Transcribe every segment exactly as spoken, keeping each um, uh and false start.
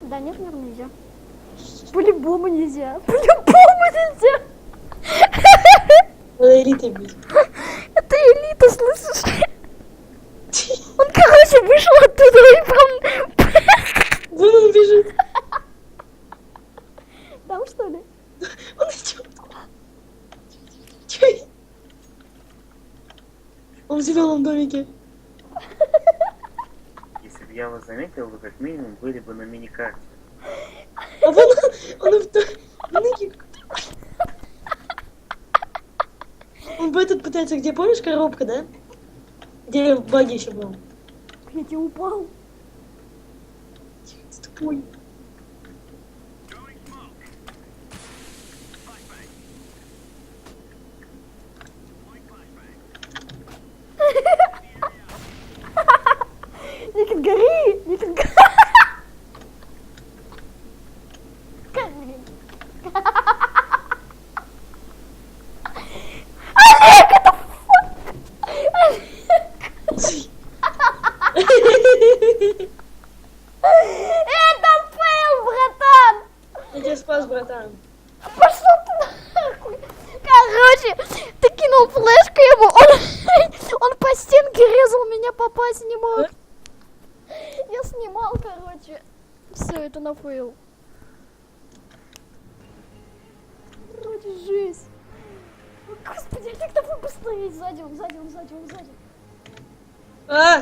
Да нет, наверное, нельзя. По-любому нельзя. По-любому нельзя. Надо элитой быть. Это элита, слышишь? Он, короче, вышел оттуда и прям... Вон он бежит. Там, что ли? Он идет. Чё? Он в зеленом домике. Если бы я вас заметил, вы как минимум были бы на миникарте. А вон он, он в домике. Он бы этот пытается, где, помнишь, коробка, да? Где в баге еще был. Блядь, я упал. С тобой. Никит, гори! Никит, гори! Олег, это фу! Это фейл, братан! Я тебя спас, братан. Пошел ты нахуй! Короче, ты кинул флешку ему, он, он по стенке резал, меня попасть не мог. Я снимал, короче. Все, это на фейл. Вроде жесть. О, господи, Олег, давай быстрее. Сзади он, сзади он, сзади он, сзади. А!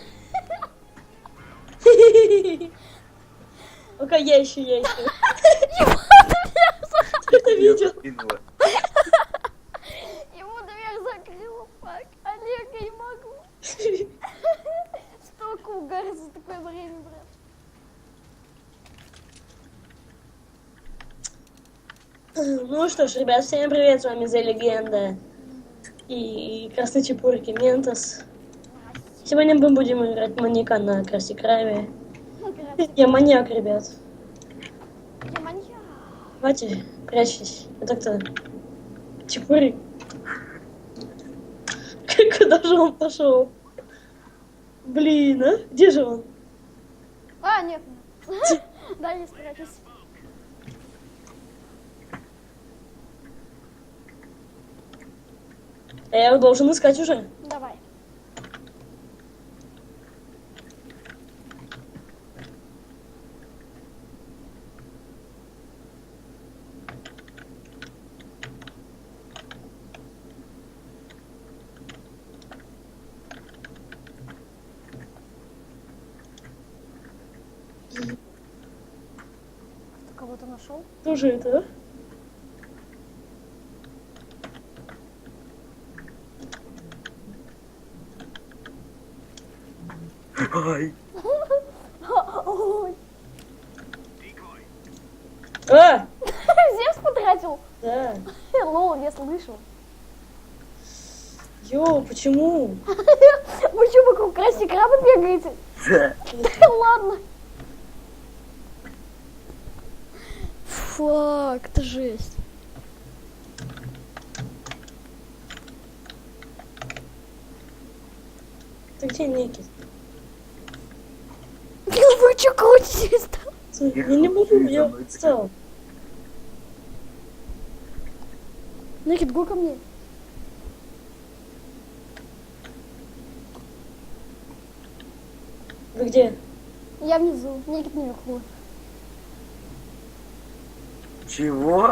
Ну-ка, я еще, я еще. Ему Ты это видел? Кинула. Ему дверь закрыла, фак. Олег, я не могу. Столько угара за такое время, брат. Ну что ж, ребят, всем привет, с вами The Легенда и Красный Чепурки Ментос. Сегодня мы будем играть маньяка на Красти Крайме. Я маньяк, ребят. Я маньяк. Давайте, прячьтесь. Это кто? Чепурик? Куда же он пошел? Блин, а? Где же он? А, нет. Да, не спрячусь. А я его должен искать уже. Давай. Ты кого-то нашел? Кто же это, а? Ай. Ой. А! Зевс потратил. Да. Лол, я слышал. Йоу, почему? Вы что, вокруг Красти Краба бегаете? Да. Ладно. Фак, это жесть. Ты где, Никит? Вы что крутитесь там? Я не могу, я встал. Никит, го ко мне. Вы где? Я внизу, Никит наверху. Чего?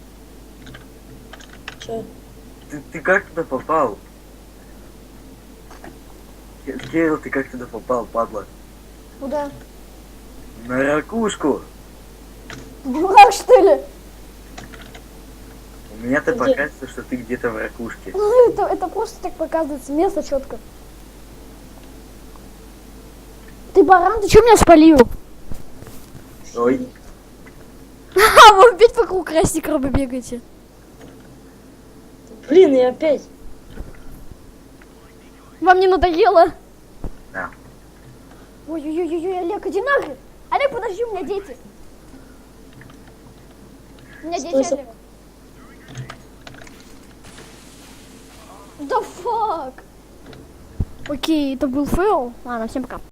Че? Ты, ты как туда попал? Кирилл, ты как туда попал, падла? Куда? На ракушку. Ты дурак, что ли? У меня-то Где? показывается, что ты где-то в ракушке. Ну, это, это просто так показывается, место четко. Ты баран, ты что меня спалил? Ой. А, вы опять вокруг Красти Краба бегаете. Блин, я опять. Вам не надоело? Да. Ой-ой-ой-ой, Олег, иди нахрен. Олег, подожди, у меня дети. У меня Стой, дети, Олег. Да фак. Окей, это был фейл. Ладно, всем пока.